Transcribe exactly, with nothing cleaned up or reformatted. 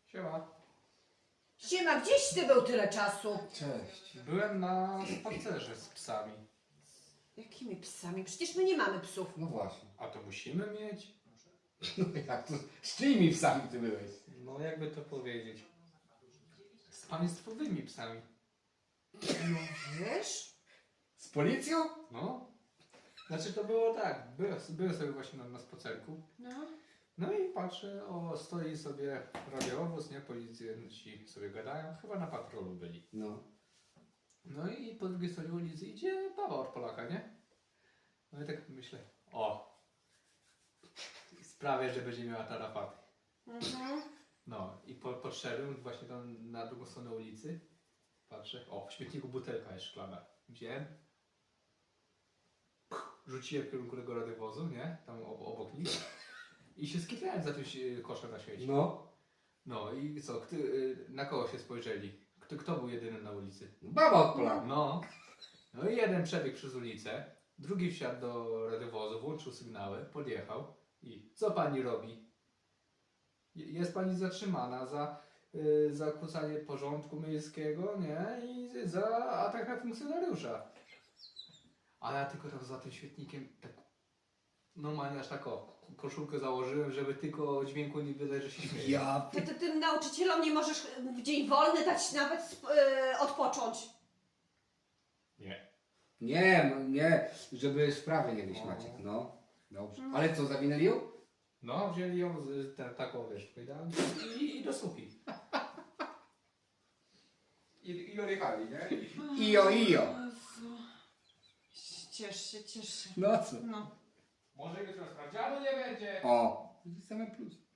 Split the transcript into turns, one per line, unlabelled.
Siema.
Siema, gdzieś ty był tyle czasu?
Cześć. Byłem na spacerze z psami.
Jakimi psami? Przecież my nie mamy psów.
No właśnie.
A to musimy mieć?
No jak to? Z czyimi psami ty byłeś?
No jakby to powiedzieć. Z państwowymi psami.
No wiesz?
Z policją?
No. Znaczy to było tak. Byłem, byłem sobie właśnie na, na spacerku.
No.
No i patrzę, o stoi sobie radiowóz, nie? Policjanci sobie gadają. Chyba na patrolu byli.
No.
No i po drugiej stronie ulicy idzie baba od Polaka, nie? No i tak myślę, o. Sprawię, że będzie miała tarapaty.
Mhm.
No i po, podszedłem właśnie tam na drugą stronę ulicy. Patrzę, o, w śmietniku butelka jest szklana. Wziąłem. Rzuciłem w kierunku tego radiowozu, nie? Tam ob- obok nich. I się skitrałem za tym się- koszem na śmieci.
No.
No i co, kto, y, na kogo się spojrzeli? Kto, kto był jedyny na ulicy?
Baba od Polaka.
No. No i jeden przebiegł przez ulicę, drugi wsiadł do radiowozu, włączył sygnały, podjechał i co pani robi? Je- Jest pani zatrzymana za y, zakłócanie porządku miejskiego, nie? I za atak na funkcjonariusza. A ja tylko tak za tym świetnikiem tak normalnie aż tak o, koszulkę założyłem, żeby tylko dźwięku nie wydać, że się śmieję.
Ja
Ty, ty tym nauczycielom nie możesz w dzień wolny dać nawet sp- yy, odpocząć.
Nie.
Nie, no nie, żeby sprawy nie wieść
No.
Maciek, no. Dobrze. Ale co, zawinęli ją?
No, wzięli ją z ten, taką, wiesz, powiedziałem, i, i do słupi. I, I odjechali, nie? I,
Ijo, ijo.
Jezu. Ciesz się, ciesz się.
No co?
No.
może jutro sprawdzianu nie będzie.
O, same plus.